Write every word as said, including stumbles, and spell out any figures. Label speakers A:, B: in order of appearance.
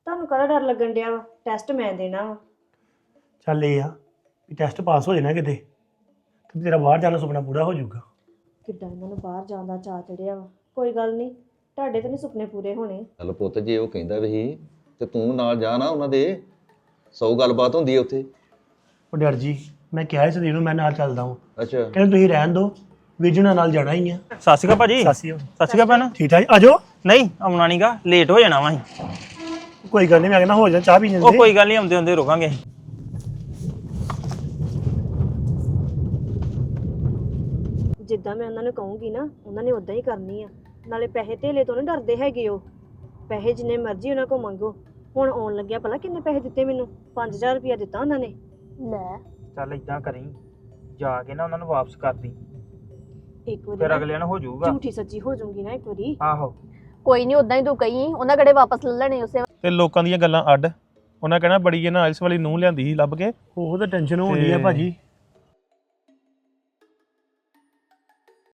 A: ਤੁਹਾਨੂੰ ਕਾਹਦਾ ਡਰ ਲੱਗਣ ਡਿਆ ਵਾ? ਟੈਸਟ ਮੈਂ ਦੇਣਾ ਵਾ।
B: ਚੱਲ ਇਹ ਆ ਵੀ ਟੈਸਟ ਪਾਸ ਹੋ ਜਾਣਾ ਕਿਤੇ ਤੇ ਤੇਰਾ ਬਾਹਰ ਜਾਣ ਦਾ ਸੁਪਨਾ ਪੂਰਾ ਹੋ ਜਾਊਗਾ।
A: ਕਿੱਦਾਂ ਇਹਨਾਂ ਨੂੰ ਬਾਹਰ ਜਾਣ ਦਾ ਚਾਅ ਚੜਿਆ ਵਾ। ਕੋਈ ਗੱਲ ਨਹੀਂ, ਤੁਹਾਡੇ ਤਾਂ ਨਹੀਂ ਸੁਪਨੇ ਪੂਰੇ ਹੋਣੇ।
C: ਚੱਲ ਪੁੱਤ ਜੇ ਉਹ ਕਹਿੰਦਾ ਵੀ ਸੀ ਤੇ ਤੂੰ ਨਾਲ ਜਾ ਨਾ ਉਹਨਾਂ ਦੇ, ਸੌ ਗੱਲਬਾਤ ਹੁੰਦੀ ਹੈ ਉੱਥੇ।
B: ਉਹ ਡਰ ਜੀ ਮੈਂ ਕਿਹਾ ਸੀ ਨੂੰ ਮੈਂ ਨਾਲ ਚੱਲਦਾ ਹਾਂ।
C: ਅੱਛਾ
B: ਕਹਿੰਦੇ ਤੁਸੀਂ ਰਹਿਣ ਦਿਓ, ਵੀਰ ਜੀ ਨਾਲ ਜਾਣਾ ਹੀ ਆ।
D: ਸਤਿ ਸ਼੍ਰੀ ਅਕਾਲ ਭਾਜੀ।
B: ਸਤਿ ਸ਼੍ਰੀ ਅਕਾਲ।
D: ਸਤਿ ਸ਼੍ਰੀ ਅਕਾਲ ਭੈਣ।
B: ਠੀਕ ਠਾਕ ਆ ਜਾਓ।
D: ਨਹੀਂ ਆਉਣਾ ਨਹੀਂਗਾ, ਲੇਟ ਹੋ ਜਾਣਾ ਵਾ ਅਸੀਂ।
B: ਕੋਈ ਗੱਲ ਨਹੀਂ, ਮੈਂ ਕਹਿੰਦਾ ਹੋ ਜਾ ਚਾਹ ਪੀ ਜਾਂਦੇ।
D: ਉਹ ਕੋਈ ਗੱਲ ਨਹੀਂ, ਆਉਂਦੇ ਆਉਂਦੇ ਰੁਕਾਂਗੇ।
A: ਜਿੱਦਾਂ ਮੈਂ ਉਹਨਾਂ ਨੂੰ ਕਹੂੰਗੀ ਨਾ ਉਹਨਾਂ ਨੇ ਉਦਾਂ ਹੀ ਕਰਨੀ ਆ। ਨਾਲੇ ਪੈਸੇ ਧੇਲੇ ਤੋਂ ਨਹੀਂ ਡਰਦੇ ਹੈਗੇ ਉਹ। ਪੈਸੇ ਜਿੰਨੇ ਮਰਜ਼ੀ ਉਹਨਾਂ ਕੋਲ ਮੰਗੋ। ਹੁਣ ਆਉਣ ਲੱਗਿਆ ਭਲਾ ਕਿੰਨੇ ਪੈਸੇ ਦਿੱਤੇ ਮੈਨੂੰ? ਪੰਜ ਹਜ਼ਾਰ ਰੁਪਇਆ ਦਿੱਤਾ ਉਹਨਾਂ ਨੇ। ਲੈ
D: ਚੱਲ ਇਦਾਂ ਕਰੀ, ਜਾ ਕੇ ਨਾ ਉਹਨਾਂ ਨੂੰ ਵਾਪਸ ਕਰ ਦੀ,
A: ਇੱਕ ਵਾਰੀ
D: ਫਿਰ
A: ਨਾ
D: ਅਗਲਿਆਂ ਨੂੰ ਹੋ ਜਾਊਗਾ।
A: ਝੂਠੀ ਸੱਚੀ ਹੋ ਜਾਊਂਗੀ ਨਾ ਇੱਕ ਵਾਰੀ।
D: ਆਹੋ
E: ਕੋਈ ਨਹੀਂ, ਉਦਾਂ ਹੀ ਤੂੰ ਕਹੀ ਉਹਨਾਂ ਕਿਹੜੇ ਵਾਪਸ ਲੈ ਲੈਣੇ ਉਸੇ
F: ਤੇ ਲੋਕਾਂ ਦੀਆਂ ਗੱਲਾਂ ਅੱਡ। ਉਹਨਾਂ ਕਹਿਣਾ ਬੜੀ ਇਹਨਾਂ ਆਇਲਸ ਵਾਲੀ ਨੂੰਹ ਲਿਆਂਦੀ ਸੀ ਲੱਭ ਕੇ।
B: ਉਹ ਤਾਂ ਟੈਨਸ਼ਨ ਹੋਣੀ ਆ ਭਾਜੀ।